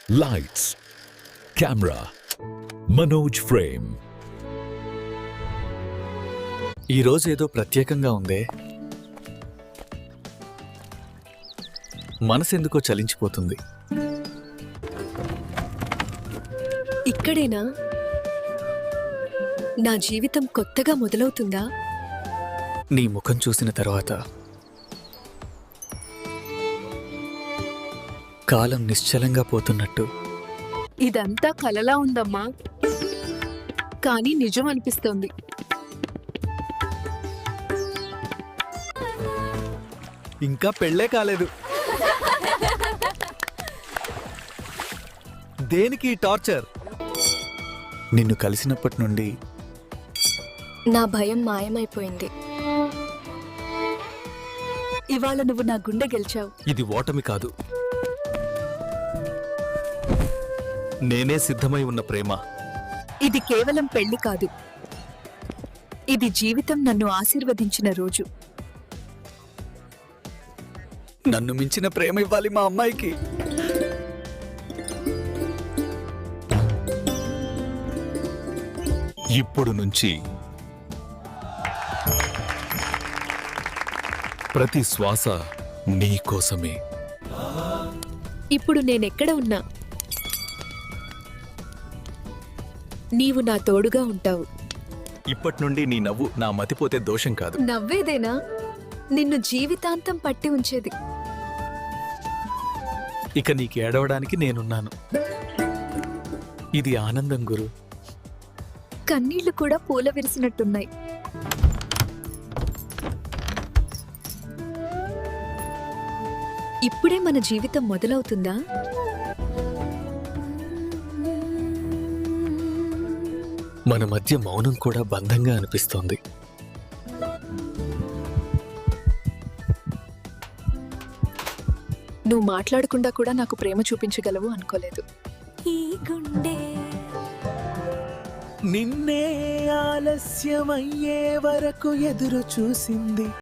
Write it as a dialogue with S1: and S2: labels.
S1: Lights, camera, Manoj Frame.
S2: ఈరోజు ఏదో ప్రత్యేకంగా ఉందే. మనసెందుకో చలించిపోతుంది.
S3: ఇక్కడేనా నా జీవితం కొత్తగా మొదలవుతుందా?
S2: నీ ముఖం చూసిన తర్వాత కాలం నిశ్చలంగా పోతున్నట్టు.
S3: ఇదంతా కలలా ఉందమ్మా, కానీ నిజం అనిపిస్తోంది.
S2: ఇంకా పెళ్ళే కాలేదు. దేనికి టార్చర్? నిన్ను కలిసినప్పటి నుండి
S3: నా భయం మాయమైపోయింది. ఇవాళ నువ్వు నా గుండె గెలిచావు.
S2: ఇది ఓటమి కాదు, నేనే సిద్ధమై ఉన్న ప్రేమ.
S3: ఇది కేవలం పెళ్లి కాదు, ఇది జీవితం నన్ను ఆశీర్వదించిన రోజు.
S2: నన్ను మించిన ప్రేమ ఇవ్వాలి మా అమ్మాయికి.
S1: ఇప్పుడు నుంచి ప్రతి శ్వాస నీ కోసమే.
S3: ఇప్పుడు నేనెక్కడ ఉన్నా నీవు నా తోడుగా ఉంటావు.
S2: ఇప్పటి నుండి నీ నవ్వు నా మతిపోతే దోషం కాదు.
S3: నవ్వేదేనా నిన్ను జీవితాంతం పట్టి ఉంచేది.
S2: ఇక నీకు ఏడవడానికి నేనున్నాను. ఇది ఆనందం గురు.
S3: కన్నీళ్లు కూడా పూల విరిసినట్టున్నాయి. ఇప్పుడే మన జీవితం మొదలవుతుందా?
S2: మన మధ్య మౌనం కూడా బంధంగా అనిపిస్తోంది.
S3: నువ్వు మాట్లాడకుండా కూడా నాకు ప్రేమ చూపించగలవు అనుకోలేదు. ఈ గుండె
S2: నిన్నే ఆలస్యమయ్యే వరకు ఎదురు చూసింది.